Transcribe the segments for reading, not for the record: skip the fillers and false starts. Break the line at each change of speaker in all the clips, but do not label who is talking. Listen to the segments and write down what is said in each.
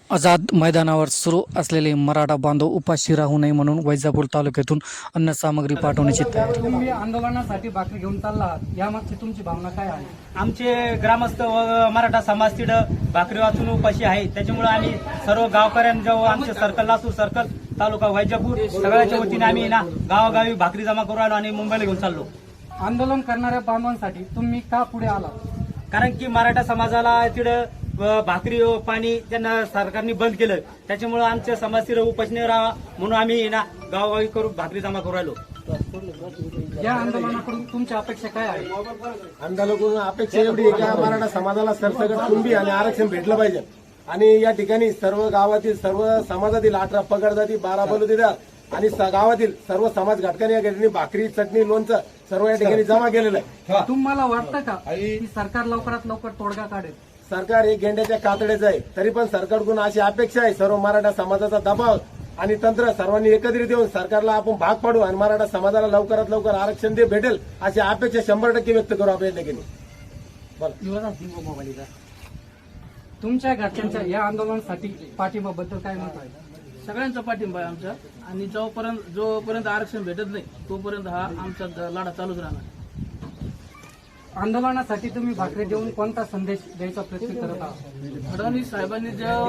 आझाद मैदानावर सुरू असलेले मराठा बांधव उपाशी राहू नये म्हणून वैजापूर तालुक्यातून अन्न सामग्री पाठवण्याची तयारी।
तुम्ही आंदोलनासाठी भाकरी घेऊन चालला आहात, यामागची तुमची भावना काय आहे?
आमचे ग्रामस्थ व मराठा समाज तिथं भाकरी वाचून उपाशी आहे। त्याच्यामुळे आम्ही सर्व गावकऱ्यांच्या व आमचे सर्कल लासूर सर्कल तालुका वैजापूर सगळ्याच्या वतीने आम्ही ना गावोगावी भाकरी जमा करू आलो आणि मुंबईला घेऊन चाललो।
आंदोलन करणाऱ्या बांधवांसाठी तुम्ही का पुढे आला?
कारण की मराठा समाजाला तिथं भाकरी व पाणी त्यांना सरकारने बंद केलं, त्याच्यामुळे आमच्या समाज तिथं उपाशी नाही राहावा म्हणून आम्ही ना गावोगावी करू भाकरी जमा करू आलो।
या आंदोलनाकडून तुमच्या अपेक्षा काय आहे?
आंदोलनाकडून अपेक्षा एवढी आहे की मराठा समाजाला सरसकट कुणबी आणि आरक्षण भेटलं पाहिजे आणि या ठिकाणी सर्व गावातील सर्व समाजातील 18 पगड जाती 12 बलुतेदार आणि गावातील सर्व समाज घटकांनी या ठिकाणी भाकरी चटणी लोणचं सर्व या ठिकाणी जमा केलेलं आहे।
तुम्हाला वाटतं का की सरकार लवकरात लवकर तोडगा काढेल?
सरकार एक गेंड्याच्या कातड्याचं आहे, तरी पण सरकारकडून अशी अपेक्षा आहे सर्व मराठा समाजाचा दबाव आणि तंत्र सर्वांनी एकत्रित येऊन सरकारला आपण भाग पाडू आणि मराठा समाजाला लवकरात लवकर आरक्षण भेटेल अशी अपेक्षा 100% व्यक्त करू आपण या ठिकाणी।
तुमच्या घरच्यांच्या या आंदोलनासाठी पाठिंबाबद्दल काय मत आहे?
सगळ्यांचा पाठिंबा आहे आमचा आणि जोपर्यंत आरक्षण भेटत नाही तोपर्यंत हा आमचा लढा चालूच राहणार।
आंदोलनासाठी तुम्ही भाकरी देऊन कोणता संदेश द्यायचा प्रयत्न करत आहात?
फडणवीस साहेबांनी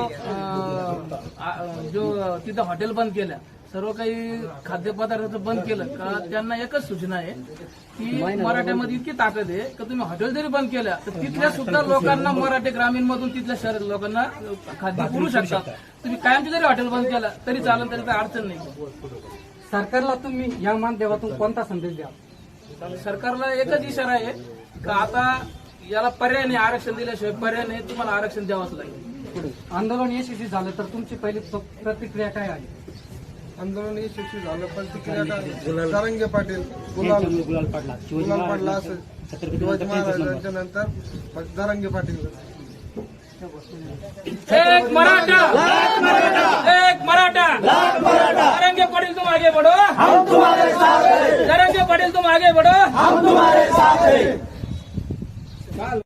जो तिथं हॉटेल बंद केल्या, सर्व काही खाद्यपदार्थ बंद केलं का त्यांना एकच सूचना आहे की मराठ्यामध्ये इतकी ताकद आहे की तुम्ही हॉटेल जरी बंद केल्या तर तिथल्या सुद्धा लोकांना मराठी ग्रामीण मधून तिथल्या शहर लोकांना खाद्य पुरू शकतात। तुम्ही कायमची जरी हॉटेल बंद केला तरी चालेल, तरी काही अडचण नाही।
सरकारला तुम्ही या माध्यमातून कोणता संदेश द्याल?
सरकारला एकच इशारा आहे का आता याला पर्याय नाही, आरक्षण दिल्याशिवाय पर्याय नाही, तुम्हाला आरक्षण द्यावंच लागेल।
आंदोलन यशस्वी झालं तर तुमची पहिली प्रतिक्रिया काय आहे?
आंदोलन यशस्वी झालं प्रतिक्रिया काय? सारंगे पाटील गुलाल पडला असं शिवाजी महाराजांच्या नंतर सारंगे पाटील।
एक मराठा एक मराठा सारंगे पाटील तुम आगे बढ़ो, हम तुम्हारे साथ हैं। सारंगे पाटील तुम आगे बढ़ो, हम तुम्हारे साथ हैं।